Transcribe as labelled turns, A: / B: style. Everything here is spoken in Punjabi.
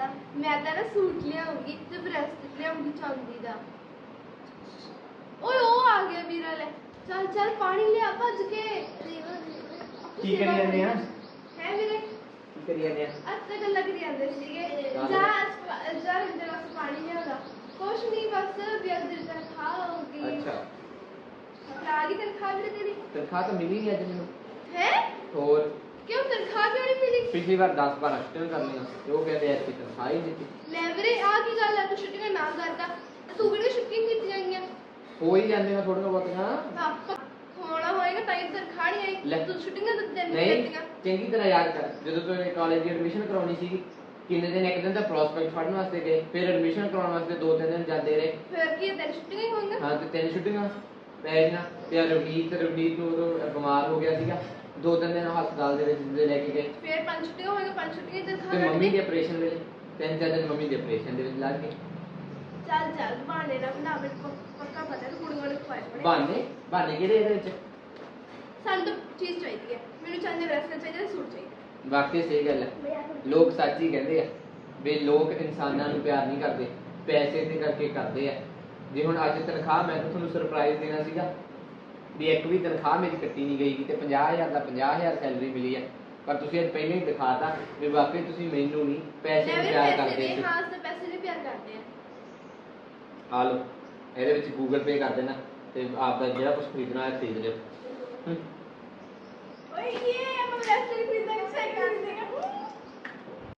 A: मैं तो ना सूट लियाऊंगी ते ब्रेसलेट लियाऊंगी चांदी दा। ओए ओ आ गया वीरा ले। चल चल पानी ले आ भज के।
B: की करी जाने हैं?
A: है वीरे
B: की करी जाने हैं?
A: अस्ते गल्ला करी जांदे सीगे। जा जा हिंदे वास्ते पानी लिया दा। कुछ नहीं बस ब्याज दी तनख्वाह होगी।
B: अच्छा
A: आ गई तनख्वाह वीरे तेरी?
B: तनख्वाह तो मिली नहीं अज मैनू।
A: है
B: और
A: क्यों तनख्वाह क्यों नहीं मिली?
B: पिछली बार 10-12 छुट्टियां कर लिया वो कहते हैं कि तनख्वाह ही नहीं दी।
A: ले वीरे आ की गल है तू छुट्टियां ना करदा तू भी छुट्टियां कीतियां गईयां
B: हो ही जाने हैं थोड़ा बहुत हां
A: होना होएगा ताई तनख्वाह नहीं
B: ले।
A: आई तू छुट्टियां तो देनी
B: नहीं
A: करतीयां
B: चंगी तरह याद कर ਜਦੋਂ ਤੂੰ ਕਾਲਜ ਦੀ ਐਡਮਿਸ਼ਨ ਕਰਾਉਣੀ ਸੀ ਕਿੰਨੇ ਦਿਨ ਇੱਕ ਦਿਨ ਤਾਂ ਪ੍ਰੋਸਪੈਕਟ ਫੜਨ ਵਾਸਤੇ ਗਏ ਫਿਰ ਐਡਮਿਸ਼ਨ ਕਰਾਉਣ ਵਾਸਤੇ 2-3 ਦਿਨ ਜਾਂਦੇ ਰਹੇ
A: ਫਿਰ ਕੀ ਤੇਰੀ ਛੁੱਟੀਆਂ ਹੀ ਹੋਣਗੀਆਂ
B: ਹਾਂ ਤੇ 3 ਛੁੱਟੀਆਂ ਪੈ ਗਈਆਂ ਤੇ ਰਵਨੀਤ ਨੂੰ ਉਦੋਂ ਬਿਮਾਰ ਹੋ ਗਿਆ ਸੀਗਾ 2-3 ਦਿਨ ਹਸਪਤਾਲ ਦੇ ਵਿੱਚ ਲੈ ਕੇ ਗਏ
A: ਫਿਰ 5 ਛੁੱਟੀਆਂ ਹੋਣਗੀਆਂ 5 ਛੁੱਟੀਆਂ ਤੇ
B: ਤੇ ਮੰਮੀ ਦੇ ਆਪਰੇਸ਼ਨ ਵੇਲੇ 3-4 ਦਿਨ ਮੰਮੀ ਦੇ ਆਪਰੇਸ਼ਨ ਦੇ ਵਿੱਚ ਲੱਗ ਗਏ
A: ਚੱਲ ਚੱਲ ਬਹਾਨੇ ਨਾ ਬਣਾ ਮੈਂ ਪੱਕਾ ਪਤਾ ਤੇ ਕੁੜੀਆਂ ਨੂੰ ਖਵਾਏ ਬਣੇ
B: ਬਹਾਨੇ ਕਿਹੜੇ ਇਹਦੇ ਵਿੱਚ
A: ਸਾਨੂੰ ਤਾਂ ਚੀਜ਼ ਚਾਹੀਦੀ ਹੈ ਮੈਨੂੰ ਚਾਹੀਦੇ ਬ੍ਰੈਸਲੇਟ ਚਾਹੀਦਾ ਸੂਟ ਚਾਹੀਦਾ
B: ਵਾਕਈ ਸਹੀ ਗੱਲ ਹੈ ਲੋਕ ਸੱਚ ਹੀ ਕਹਿੰਦੇ ਆ ਵੀ ਲੋਕ ਇਨਸਾਨਾਂ ਨੂੰ ਪਿਆਰ ਨਹੀਂ ਕਰਦੇ ਪੈਸੇ ਤੇ ਕਰਕੇ ਕਰਦੇ ਆ ਜੇ ਹੁਣ ਅੱਜ ਤਨਖਾਹ ਮੈਂ ਤਾਂ ਤੁਹਾਨੂੰ ਸਰਪ੍ਰਾਈਜ਼ ਦੇਣਾ ਸੀਗਾ ਵੀ ਇੱਕ ਵੀ ਤਨਖਾਹ ਮੇਰੀ ਕੱਟੀ ਨਹੀਂ ਗਈ ਤੇ 50000 ਦਾ 50000 ਸੈਲਰੀ ਮਿਲੀ ਆ ਪਰ ਤੁਸੀਂ ਅੱਜ ਪਹਿਲਾਂ ਹੀ ਦਿਖਾਤਾ ਵੀ ਵਾਕਈ ਤੁਸੀਂ ਮੈਨੂੰ ਨਹੀਂ ਪੈਸੇ ਨੂੰ ਪਿਆਰ ਕਰਦੇ ਸੀ
A: ਹਾਂ ਤੇ ਪੈਸੇ ਨੂੰ ਪਿਆਰ ਕਰਦੇ ਆ
B: ਆ ਲਓ ਇਹਦੇ ਵਿੱਚ ਗੂਗਲ ਪੇ ਕਰ ਦੇਣਾ ਤੇ ਆਪ ਦਾ ਜਿਹੜਾ ਕੁਝ ਖਰੀਦਣਾ ਹੈ ਖਰੀਦ ਲਿਓ
A: ਓਏ